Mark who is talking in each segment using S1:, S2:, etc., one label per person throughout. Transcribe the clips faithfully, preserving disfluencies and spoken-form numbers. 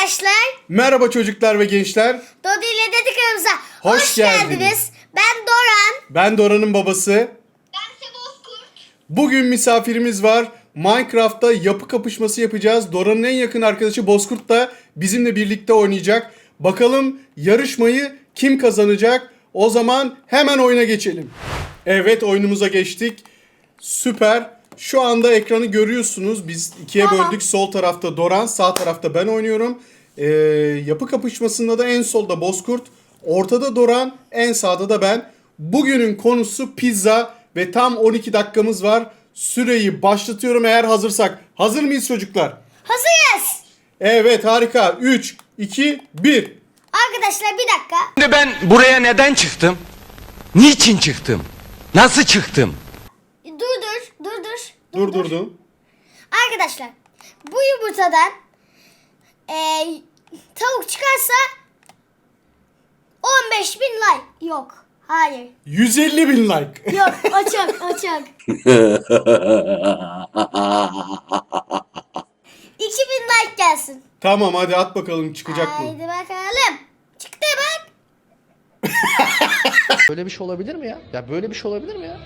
S1: arkadaşlar.
S2: Merhaba çocuklar ve gençler.
S1: Dodi ile Dediklerimize
S2: hoş,
S1: hoş
S2: geldiniz.
S1: geldiniz. Ben Doran.
S2: Ben Dora'nın babası.
S1: Ben Bozkurt.
S2: Bugün misafirimiz var. Minecraft'ta yapı kapışması yapacağız. Dora'nın en yakın arkadaşı Bozkurt da bizimle birlikte oynayacak. Bakalım yarışmayı kim kazanacak? O zaman hemen oyuna geçelim. Evet, oyunumuza geçtik. Süper. Şu anda ekranı görüyorsunuz. Biz ikiye
S1: Tamam.
S2: böldük. Sol tarafta Doran, sağ tarafta ben oynuyorum. Ee, yapı kapışmasında da en solda Bozkurt, ortada Doran, en sağda da ben. Bugünün konusu pizza ve tam on iki dakikamız var. Süreyi başlatıyorum eğer hazırsak. Hazır mıyız çocuklar?
S1: Hazırız.
S2: Evet, harika. üç, iki, bir.
S1: Arkadaşlar bir dakika.
S3: Şimdi ben buraya neden çıktım? Niçin çıktım? Nasıl çıktım?
S1: Dur dur. Dur dur.
S2: Durdurdum.
S1: Arkadaşlar bu yumurtadan eee, tavuk çıkarsa on beş bin like. Yok. Hayır.
S2: yüz elli bin like.
S1: Yok. Açık. Açık. iki bin like gelsin.
S2: Tamam, hadi at bakalım, çıkacak mı?
S1: Haydi bakalım. Çıktı bak.
S4: Böyle bir şey olabilir mi ya? Ya böyle bir şey olabilir mi ya?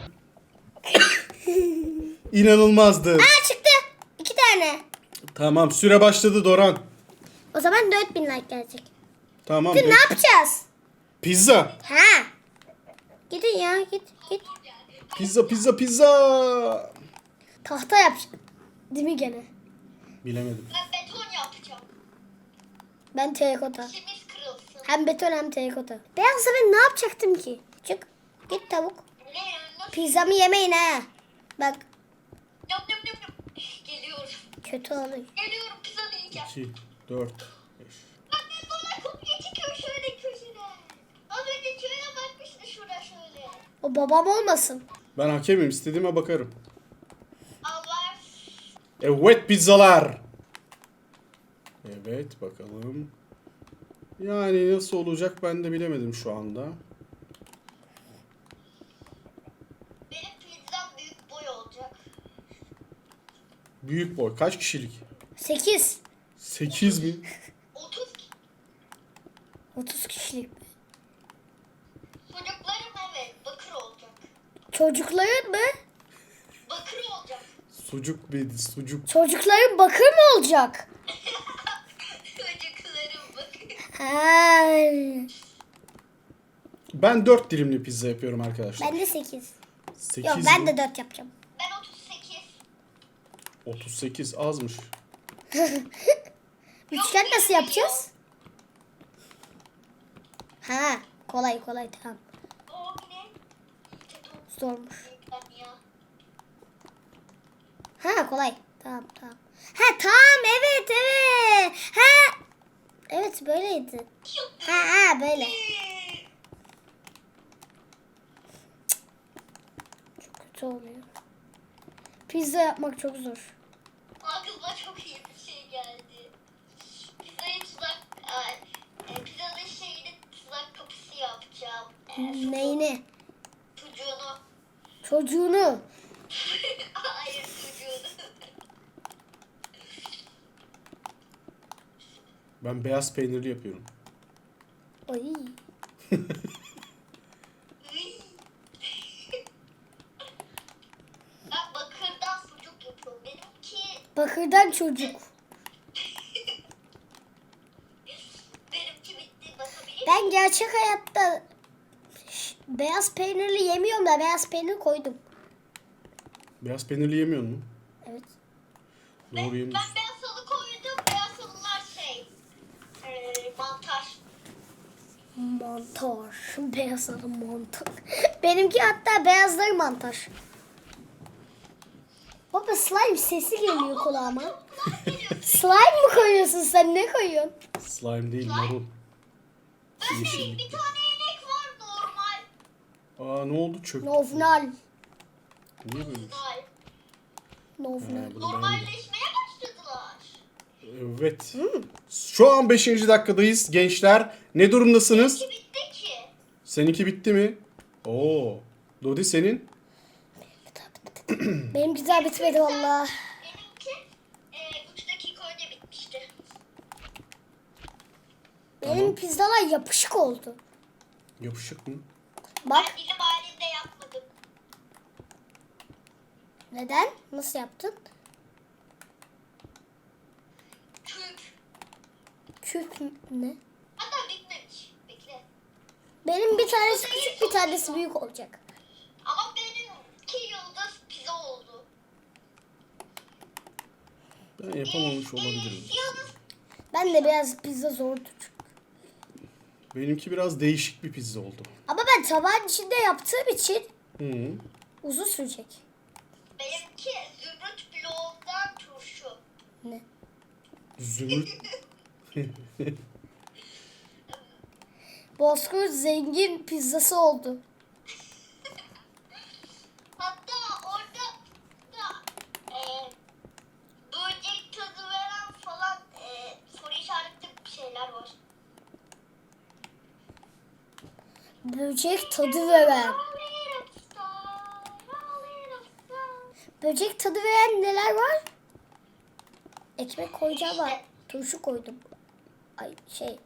S2: İnanılmazdı.
S1: Aa çıktı. İki tane.
S2: Tamam, süre başladı Doran.
S1: O zaman dört bin like gelecek.
S2: Tamam.
S1: Şimdi ne
S2: geç.
S1: yapacağız?
S2: Pizza.
S1: Ha. Gidin ya git git.
S2: Pizza, pizza, pizza.
S1: Tahta yapacağım. Değil mi gene?
S2: Bilemedim.
S5: Ben beton yapacağım.
S1: Ben terakota.
S5: İşimiz kırılsın.
S1: Hem beton hem terakota. Beyazsa ben ne yapacaktım ki? Çık. Git tavuk.
S5: Ne nasıl?
S1: Pizzamı yemeyin ha. Bak
S5: Yap yap yap yap. Geliyorum.
S1: kötü oluyor.
S5: Geliyorum pizza yiyeceğim.
S2: iki, dört, beş.
S5: Bak ben bana kopya çıkıyor şöyle köşede. Az önce şöyle bakmıştı şurada şöyle.
S1: O babam olmasın.
S2: Ben hakemim, istediğime bakarım.
S5: Allah.
S2: Evet, pizzalar. Evet, bakalım. Yani nasıl olacak ben de bilemedim şu anda.
S5: Benim pizzam büyük boy olacak.
S2: Büyük boy. Kaç kişilik?
S1: sekiz.
S2: sekiz mi?
S5: otuz
S1: otuz kişilik.
S5: çocuklarım evet bakır olacak.
S1: Çocukların mı?
S5: Bakır olacak.
S2: Sucuk bir sucuk.
S1: Çocukların bakır mı olacak?
S5: Çocuklarım bakır.
S1: Ha.
S2: Ben dört dilimli pizza yapıyorum arkadaşlar.
S1: Ben de sekiz.
S2: sekiz
S1: Yok ben
S2: mi?
S1: de dört yapacağım.
S5: Ben otuz sekiz.
S2: otuz sekiz azmış.
S1: Üçgen nasıl yapacağız? Ha, kolay kolay tamam.
S5: O ne?
S1: Zormuş.
S5: Ben ya.
S1: Ha kolay. Tamam tamam. Ha tamam evet evet. Ha. Evet böyleydi. Ha ha böyle. Çok kötü oluyor. Pizza yapmak çok zor.
S5: Aklıma çok iyi bir şey geldi. Pizzayı tuzak... Ay, e, pizzanın şeyini tuzak kapısı yapacağım. E, şu
S1: Neyini?
S5: Çocuğunu.
S1: Çocuğunu.
S5: Hayır çocuğunu.
S2: Ben beyaz peynirli yapıyorum.
S1: Ay.
S5: Ben bakırdan sucuk yapıyorum. Benimki...
S1: Bakırdan çocuk.
S5: Benimki bitti. Bakabilir miyim?
S1: Ben gerçek hayatta ş- beyaz peynirli yemiyorum da beyaz peynir koydum.
S2: Beyaz peynirli yemiyor musun?
S1: Evet.
S2: Doğru
S5: Ben
S2: yemiyorsun.
S5: beyaz salı koydum. Beyaz salılar şey... E, mantar.
S1: Mantar. Beyazları mantar. Benimki hatta beyazları mantar. Baba slime sesi geliyor kulağıma. Slime mı koyuyorsun sen? Ne koyuyorsun?
S2: Slime değil, marul.
S5: Şey,
S2: Yeşillik.
S5: bir tane inek var normal.
S2: Aa, ne oldu, çöktü.
S1: Novnal.
S2: Niye böyle?
S5: Normal.
S1: Novnal.
S2: Ha, bunu beğenmedim.
S5: Normalleşmeye başladılar.
S2: Evet. Şu an beşinci dakikadayız gençler. Ne durumdasınız?
S5: Ki bitti ki.
S2: Seninki bitti mi? Oo. Dodi senin?
S1: Benimki daha bitmedi valla.
S5: Benimki e, üç dakika önce bitmişti.
S1: Benim pizzalar yapışık oldu.
S2: Yapışık mı?
S1: Bak
S5: Ben bilim halinde yapmadım.
S1: neden? Nasıl yaptın?
S5: Küp.
S1: Küp ne?
S5: Hatta bitmemiş. Bekle.
S1: Benim bir tanesi küçük bir tanesi büyük olacak.
S5: Ama benimki yıldız pizza oldu.
S2: Ben yapamamış olabilirim.
S5: Yıldız
S1: Ben de biraz pizza zordu çünkü.
S2: Benimki biraz değişik bir pizza oldu.
S1: Ama ben tabağın içinde yaptığım için
S2: Hı.
S1: uzun sürecek.
S5: benimki zümrüt bloğundan turşu.
S1: Ne?
S2: Zümrüt.
S1: Bozkurt zengin pizzası oldu.
S5: Hatta orada da e, böcek tadı veren falan e, soru işaretli bir şeyler var.
S1: Böcek tadı veren. Böcek tadı veren neler var? Ekmek koyacağım var. Turşu koydum. Ay şey.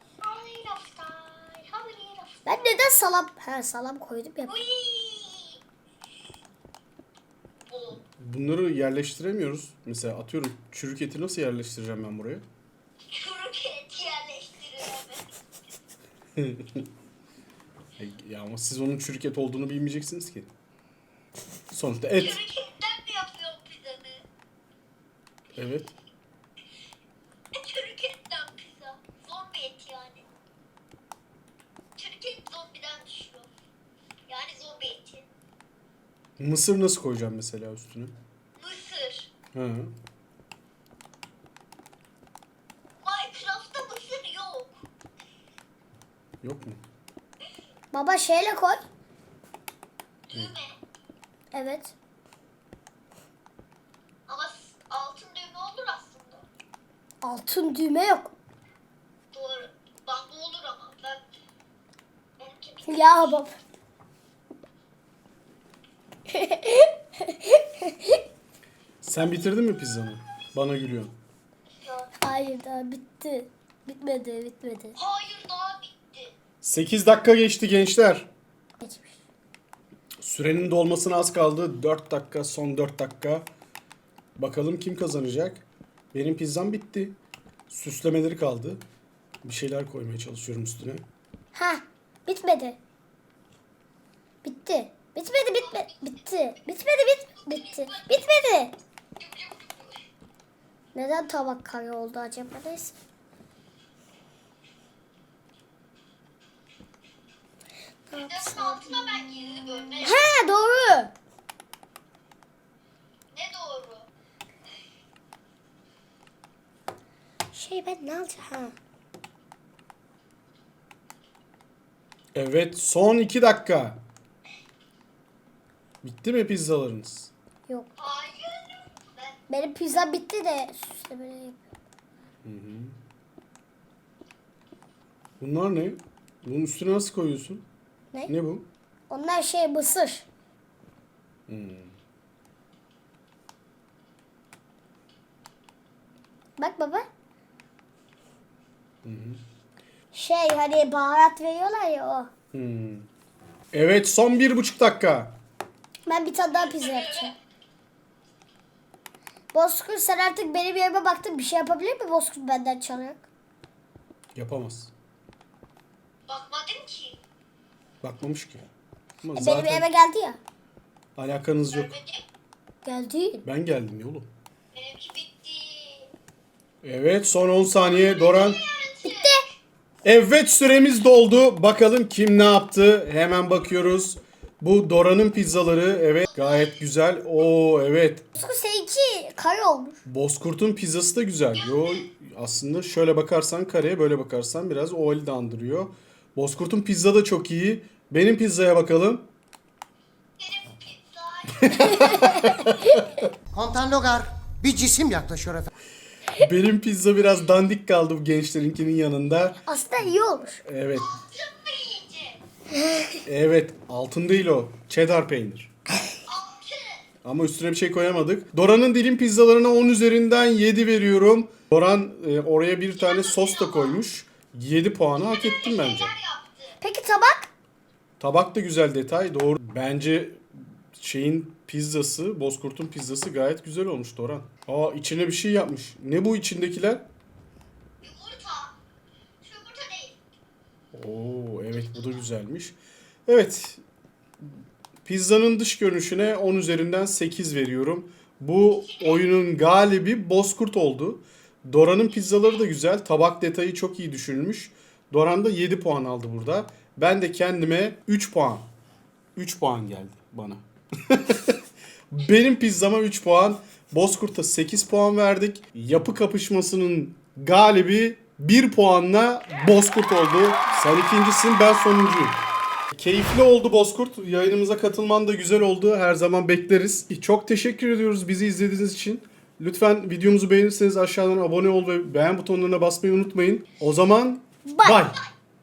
S1: Ben neden salam? Ha salam koydum ya.
S5: Bu.
S2: Bunları yerleştiremiyoruz. Mesela atıyorum çürük eti nasıl yerleştireceğim ben buraya?
S5: Çürük et yerleştirilemez.
S2: Ya ama siz onun çürük et olduğunu bilmeyeceksiniz ki. Sonuçta et.
S5: Çürük etten mi yapıyorsun pizzanı?
S2: Evet.
S5: E, çürük etten pizza. Zombi et yani. Çürük et zombiden düşüyor. Yani zombi eti.
S2: Mısır nasıl koyacağım mesela üstüne?
S5: Mısır.
S2: Ha.
S5: Minecraft'ta mısır yok.
S2: Yok mu?
S1: Baba şeyle koy.
S5: Düğme.
S1: Evet.
S5: Ama s- altın düğme olur aslında.
S1: Altın düğme yok.
S5: Doğru. Bak bu olur ama ben benimki bir
S1: Ya baba.
S2: Sen bitirdin mi pizzanı? Bana gülüyorsun.
S5: ya.
S1: Hayır daha bitti. Bitmedi bitmedi.
S5: Hayır daha bitti.
S2: sekiz dakika geçti gençler.
S1: Geçmiş.
S2: Sürenin dolmasına az kaldı. dört dakika, son dört dakika. Bakalım kim kazanacak? Benim pizzam bitti. Süslemeleri kaldı. Bir şeyler koymaya çalışıyorum üstüne.
S1: Ha bitmedi. Bitti. Bitmedi bitme bitti. Bitmedi bit bitti. Bitmedi. Neden tabak kare oldu acaba? Neyse. Ne
S5: Pizzanın
S1: yapsam?
S5: altına ben gizli bölme yap-
S1: Ha doğru.
S5: Ne doğru?
S1: Şey ben ne alacağım? Ha.
S2: Evet, son iki dakika. Bitti mi pizzalarınız?
S1: Yok.
S5: Hayır. Ben
S1: Benim pizza bitti de süslemeleri yapıyorum.
S2: Bunlar ne? Bunun üstüne nasıl koyuyorsun?
S1: Ne?
S2: Ne bu?
S1: Onlar şey mısır. Bak baba. Şey hani baharat veriyorlar ya o.
S2: Hmm. Evet, son bir buçuk dakika.
S1: Ben bir tane daha pizza yapacağım. Bozkurt sen artık benim yerime baktın. Bir şey yapabilir mi Bozkurt benden çalarak?
S2: Yapamaz.
S5: bakmadım ki.
S2: Bakmamış ki. Ama
S1: E, benim
S2: zaten
S1: eve geldi ya.
S2: alakanız yok.
S5: Görmedim.
S1: Geldi.
S2: Ben geldim ya oğlum.
S5: Benimki bitti.
S2: Evet, son on saniye. Doran.
S5: Bitti.
S2: Evet, süremiz doldu. Bakalım kim ne yaptı? Hemen bakıyoruz. Bu Dora'nın pizzaları. Evet, gayet güzel. Oo, evet.
S1: Bozkurt seninki kare olmuş.
S2: Bozkurt'un pizzası da güzel. Yo, aslında şöyle bakarsan kareye, böyle bakarsan biraz ovali de andırıyor. Bozkurt'un pizza da çok iyi. Benim pizzaya bakalım.
S5: Benim pizza.
S6: Komutan Logar, bir cisim yaklaşıyor efendim.
S2: Benim pizza biraz dandik kaldı bu gençlerinkinin yanında.
S1: Aslında iyi olmuş.
S2: Evet.
S5: Altın mı yiyeceğim?
S2: Evet, altın değil o. Cheddar peynir.
S5: Altın.
S2: Ama üstüne bir şey koyamadık. Dora'nın dilim pizzalarına on üzerinden yedi veriyorum. Doran e, oraya bir tane sos da koymuş. yedi puanı hak ettim bence.
S5: Neler yaptı?
S1: Peki tabak?
S2: Tabak da güzel detay. Doğru. Bence şeyin pizzası, Bozkurt'un pizzası gayet güzel olmuş Doran. Aa içine bir şey yapmış. Ne bu içindekiler?
S5: Yumurta. Şu yumurta değil.
S2: Oo evet bu da güzelmiş. Evet. Pizzanın dış görünüşüne on üzerinden sekiz veriyorum. Bu oyunun galibi Bozkurt oldu. Doran'ın pizzaları da güzel. Tabak detayı çok iyi düşünülmüş. Doran da yedi puan aldı burada. Ben de kendime üç puan. üç puan geldi bana. Benim pizzama üç puan. Bozkurt'a sekiz puan verdik. Yapı kapışmasının galibi bir puanla Bozkurt oldu. Sen ikincisin, ben sonuncuyum. Keyifli oldu Bozkurt. Yayınımıza katılman da güzel oldu. Her zaman bekleriz. Çok teşekkür ediyoruz bizi izlediğiniz için. Lütfen videomuzu beğenirseniz aşağıdan abone ol ve beğen butonlarına basmayı unutmayın. O zaman
S1: Bye.
S2: bye.